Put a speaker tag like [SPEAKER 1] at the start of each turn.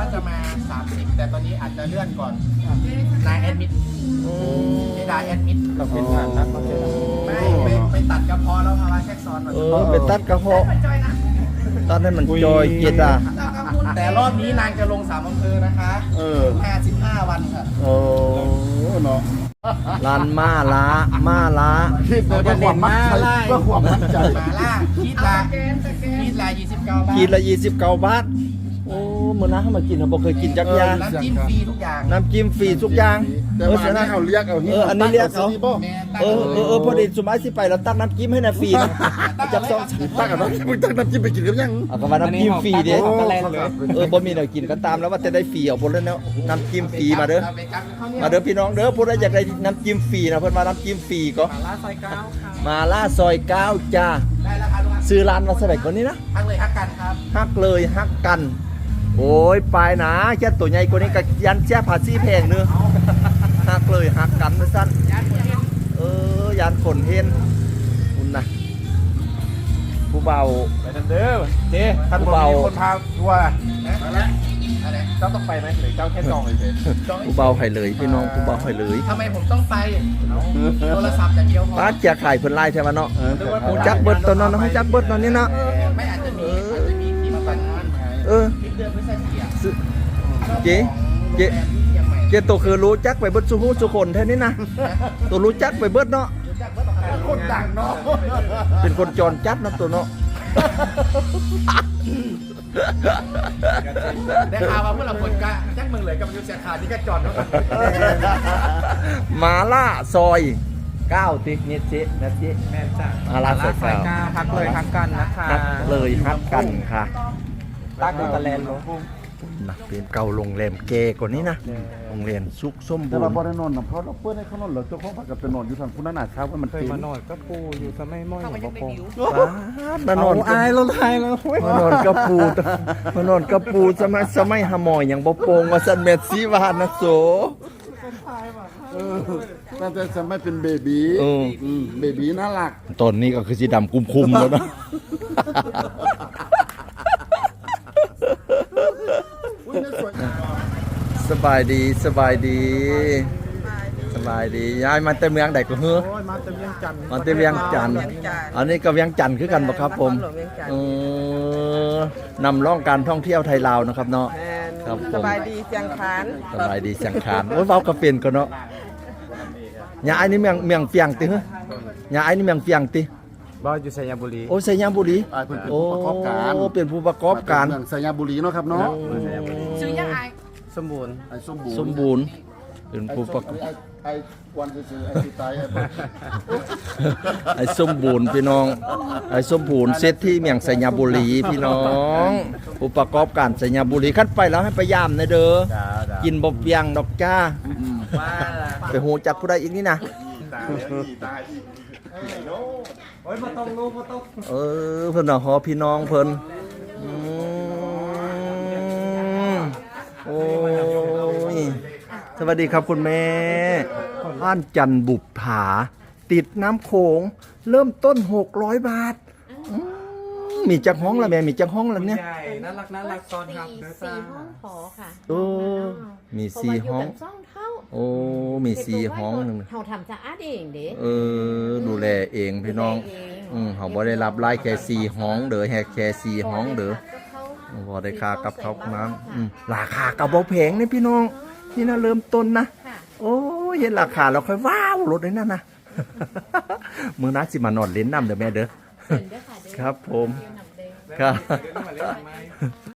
[SPEAKER 1] ว่าจะมา30แต่ตอนนี้อาจจะเลื่อนก่อนนายแอดมิดที่นายแอดมิด
[SPEAKER 2] เราเป็นผ่านนักมาเจอ
[SPEAKER 1] ไม่ไปตัดกระเพาะแล้วภาวะแทรกซ้อนมา
[SPEAKER 3] ไปตัดกระเพาะตัดให้มันจอยเกียดอ่ะ
[SPEAKER 1] แต่รอบนี้นางจะลง3อำเภอนะคะ55วันค่ะ
[SPEAKER 3] โอ้เนาะลานมาล้า
[SPEAKER 2] คิดเลยว่าความมั่นใจว่าความมั่นใจ
[SPEAKER 1] หมาล่าคิดละ29 บาท
[SPEAKER 3] กินละ29 บาทโอ้มื้อนั้นเขามากินเขาบ่เคยกินจักอยาง
[SPEAKER 1] น้ำจิ้มฟรีทุกอย่าง
[SPEAKER 3] น้ำจิ้มฟรีทุกอย่าง
[SPEAKER 2] แต่มาหน้าเขาเรียกเอา
[SPEAKER 3] อันนี้เรียกเขา
[SPEAKER 1] แม่
[SPEAKER 3] พอดีสุมาสิไปแล้วตักน้ำจิ้มให้นะฟรีนะจับซอง
[SPEAKER 2] ตั้งกับน้ำมึงตั้งน้ำจิ้มไปกินกับยัง
[SPEAKER 3] เอาก็ว่าน้ำจิ้มฟรีเด้
[SPEAKER 2] โอ้
[SPEAKER 3] บ่มีแนวกินก็ตามแล้วว่าจะได้ฟรีเอาบ่แล้วเนาะน้ำจิ้มฟรีมาเด้อ
[SPEAKER 1] เอาไปกับข้าวเหนียว
[SPEAKER 3] มาเด้อพี่น้องเด้อผู้ใดอยากได้น้ำจิ้มฟรีนะเพิ่นมาน้ำจิ้มฟรีก็
[SPEAKER 1] หมาล่าซอย9ค่ะ
[SPEAKER 3] มาล่าซอย9จ้า
[SPEAKER 1] ได้แล้วครับลูกค้า
[SPEAKER 3] ซื้อร้านมาสมัยก่อนนี้นะ
[SPEAKER 1] ทักเลยทักกันครับ
[SPEAKER 3] ฮักเลยฮักกัน โอ้ยไปนะแค่ตัวใหญ่กว่านี้ก็ยันแช่ภาษีแพงเนื้อฮักเลยฮักกันนะสั้นยันขนเห็นคุณนะผู้เบา
[SPEAKER 2] ไปทันเด้อเจ๊ท่านบอกมีคนพาทัวร์
[SPEAKER 1] มาแล้วอะไร
[SPEAKER 2] เจ้าต้องไปไหมหรือเจ้าแค่จองเฉย
[SPEAKER 3] ผู้เบาให้เลยพี่น้องผู้เบาให้เลย
[SPEAKER 1] ทำไมผมต้องไปโทรศัพท์อย่างเดียวพอ
[SPEAKER 3] ป้าเจียขายเพิ่นไล่ใช่ไหมเนาะหูจักเบิดตอนนั้นหูจักเบิดตอนนี้เนาะ
[SPEAKER 1] ไม่อาจจะมีที่มาปั่นงาน
[SPEAKER 3] เออ
[SPEAKER 1] คลิปเดือนพฤศจิกายน
[SPEAKER 3] เจ๊เจ๊
[SPEAKER 1] เชียงใหม่
[SPEAKER 3] เจ๊ตัวคือรู้จักไปเบิดสุหูสุคนแท้นี้นะตัวรู้จักไปเบิดเนาะ
[SPEAKER 2] คนดังเนาะ
[SPEAKER 3] เป็นคนจรจัดนะตัวเนาะ
[SPEAKER 1] ได้ข่าวว่าพวกเราคนกะแจ็คเมืองเลยกับยูเซียขาดนี่ก็จอดแล้ว
[SPEAKER 3] มาล่าซอย9ตินิดสินะสิ
[SPEAKER 1] แม่จ้า
[SPEAKER 3] มาล่าซอย9
[SPEAKER 1] ทักเลยทักกันนะคะ
[SPEAKER 3] ฮักเลยฮักกันค่ะ
[SPEAKER 1] ตักตะแลนลง
[SPEAKER 3] นะเป็นเก่าโรงแรมเกกว่านี้นะโรงแรมซุกส้ม
[SPEAKER 2] แต่
[SPEAKER 3] บู
[SPEAKER 2] ว่าร บริโนนเขาเปิดให้เขานอนเหรอเจ้าของผักกับเป็นนอนอยู่ทางคุณน่าเช้าว่ามัน
[SPEAKER 4] เคยมานอนก็ปูอยู่สมัยม้อยของบ่ปง
[SPEAKER 3] มานอน
[SPEAKER 4] อายแล้วไายแล้วเว้ย
[SPEAKER 3] มานอนกระปูมานอนกระปูสมัยหาหมอยอย่างบ่โปงว่าสันเม็ดสีวานนะโส
[SPEAKER 2] ตั้งแต่สมัยเป็นเบบี
[SPEAKER 3] เออ
[SPEAKER 2] เบบีน่ารัก
[SPEAKER 3] ตอนนี้ก็คือสีดำคุมๆแล้วนะสบายดีสบายดีสบายดีย้ายมาแต่เมืองใดก็เฮ้อ
[SPEAKER 4] โอ้ยมาแต่เวียงจันทร์
[SPEAKER 3] มาแต่เวียงจันทน์อันนี้ก็เวียงจันทน์คือกันบ่ครับผมนำร่องการท่องเที่ยวไทยลาวนะครับเนาะครับผม
[SPEAKER 5] สบายดีเชียงคาน
[SPEAKER 3] สบายดีสังขารโอ้ยเว้าก็เป็นก็เนาะยาไอ้นี่เมืองเฟียงติเฮ้ยาไอ้นี่เมืองเฟียงติ
[SPEAKER 4] บ้านอยู่สยามบุรี
[SPEAKER 3] โอ้ไสยามบุรี
[SPEAKER 2] เป็น
[SPEAKER 3] โอ้
[SPEAKER 2] ผู้ประกอบการ
[SPEAKER 3] เป็นผู้ประกอบการ
[SPEAKER 2] เมืองสยามบุรีเนาะครับเนาะ
[SPEAKER 1] ชื่อยังไง
[SPEAKER 4] สมบูรณ์
[SPEAKER 2] ไอ้สมบูรณ์
[SPEAKER 3] สมบูรณ์เป็นผู้ประกอบ
[SPEAKER 2] ไอ้ควันซื่อๆไอ้ที่ตายไอ้
[SPEAKER 3] ไอ้สมบูรณ์พี่น้องไอ้สมบูรณ์เซตที่เมืองสยามบุรีพี่น้องผู้ประกอบการสยามบุรีคันไปแล้วให้ไปยามนะเด้อกินบ่เปียงดอกจ้าไปหูจักผู้ใดอีกนี่นะ
[SPEAKER 4] โอ้ยมาต้องลูกมาต้อง
[SPEAKER 3] เพิ่นน่ะฮอพี่น้องเพิ่นโอ้ยสวัสดีครับคุณแม่บ้านจันบุปผาติดน้ำโขงเริ่มต้น600 บาทมีจักห้องละแม่มีจักห้องละเนี่ย
[SPEAKER 4] ใหญ่น่ารักตอนครับเด้อจ้า
[SPEAKER 6] ห้องหอค่ะ
[SPEAKER 3] โอ้มี4ห้อง
[SPEAKER 6] ซ่องเท่า
[SPEAKER 3] โอ้มี4ห้องหนึง
[SPEAKER 6] เฮาทำสะอาดเองเด้
[SPEAKER 3] ดูแลเองพี่น้องเขาบ่ได้รับรายแค่4ห้องเด้อแค่4ห้องเด้อ บ่ได้ค่ากับเขาน้ำราคากับบ่แพงนี่พี่น้องนี่นะเริ่มต้นนะ
[SPEAKER 6] ค่ะ
[SPEAKER 3] โอ้ยเห็นราคาแล้วค่อยว้าวรถเลยนั่นนะ มื้อนั้นสิมานอนเล่นน้ำเด้อแม่เด้อ
[SPEAKER 6] เห็นด้วยค่ะเด้อ
[SPEAKER 3] ครับผม
[SPEAKER 6] เดี๋ยวนำเด้อ
[SPEAKER 3] ครับ
[SPEAKER 4] มาเล่นทำไม